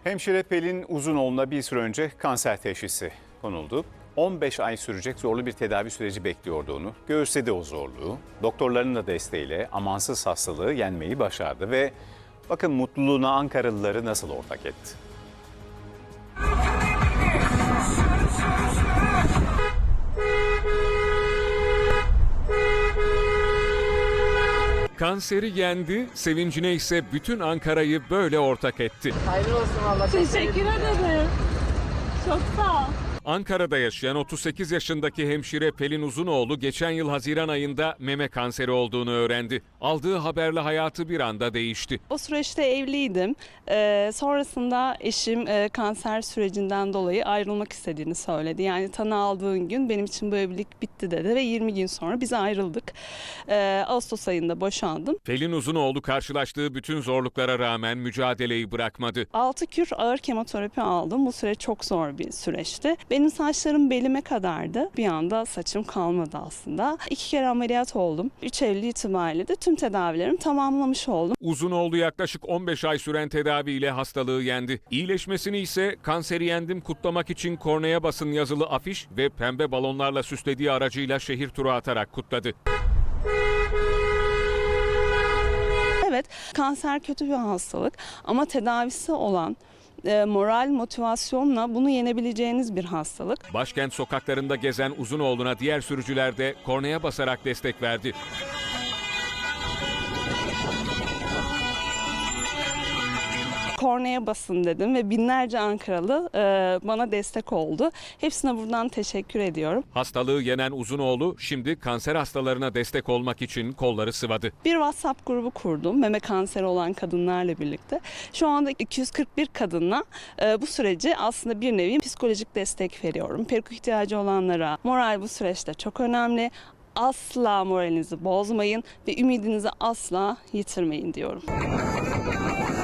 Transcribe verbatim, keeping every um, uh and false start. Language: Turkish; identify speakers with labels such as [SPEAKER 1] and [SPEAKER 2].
[SPEAKER 1] Hemşire Pelin Uzunoğlu'na bir süre önce kanser teşhisi konuldu. on beş ay sürecek zorlu bir tedavi süreci bekliyordu onu. Göğüsledi o zorluğu. Doktorların da desteğiyle amansız hastalığı yenmeyi başardı ve bakın mutluluğuna Ankaralıları nasıl ortak etti.
[SPEAKER 2] Kanseri yendi, sevincine ise bütün Ankara'yı böyle ortak etti.
[SPEAKER 3] Hayırlı olsun Allah.
[SPEAKER 4] Teşekkür ederim. Çok sağ ol.
[SPEAKER 2] Ankara'da yaşayan otuz sekiz yaşındaki hemşire Pelin Uzunoğlu geçen yıl Haziran ayında meme kanseri olduğunu öğrendi. Aldığı haberle hayatı bir anda değişti.
[SPEAKER 4] O süreçte evliydim. Ee, sonrasında eşim e, kanser sürecinden dolayı ayrılmak istediğini söyledi. Yani tanı aldığın gün benim için bu evlilik bitti dedi ve yirmi gün sonra biz ayrıldık. Ee, Ağustos ayında boşandım.
[SPEAKER 2] Pelin Uzunoğlu karşılaştığı bütün zorluklara rağmen mücadeleyi bırakmadı.
[SPEAKER 4] altı kür ağır kemoterapi aldım. Bu süreç çok zor bir süreçti. Benim saçlarım belime kadardı. Bir anda saçım kalmadı aslında. İki kere ameliyat oldum. üç Eylül itibariyle de tüm tedavilerimi tamamlamış oldum.
[SPEAKER 2] Uzunoğlu yaklaşık on beş ay süren tedaviyle hastalığı yendi. İyileşmesini ise kanseri yendim kutlamak için kornea basın yazılı afiş ve pembe balonlarla süslediği aracıyla şehir turu atarak kutladı.
[SPEAKER 4] Evet, kanser kötü bir hastalık ama tedavisi olan e, moral, motivasyonla bunu yenebileceğiniz bir hastalık.
[SPEAKER 2] Başkent sokaklarında gezen Uzunoğlu'na diğer sürücüler de kornaya basarak destek verdi.
[SPEAKER 4] Kornaya basın dedim ve binlerce Ankaralı e, bana destek oldu. Hepsine buradan teşekkür ediyorum.
[SPEAKER 2] Hastalığı yenen Uzunoğlu şimdi kanser hastalarına destek olmak için kolları sıvadı.
[SPEAKER 4] Bir WhatsApp grubu kurdum meme kanseri olan kadınlarla birlikte. Şu anda iki yüz kırk bir kadınla e, bu süreci aslında bir nevi psikolojik destek veriyorum. Peruk ihtiyacı olanlara moral bu süreçte çok önemli. Asla moralinizi bozmayın ve ümidinizi asla yitirmeyin diyorum.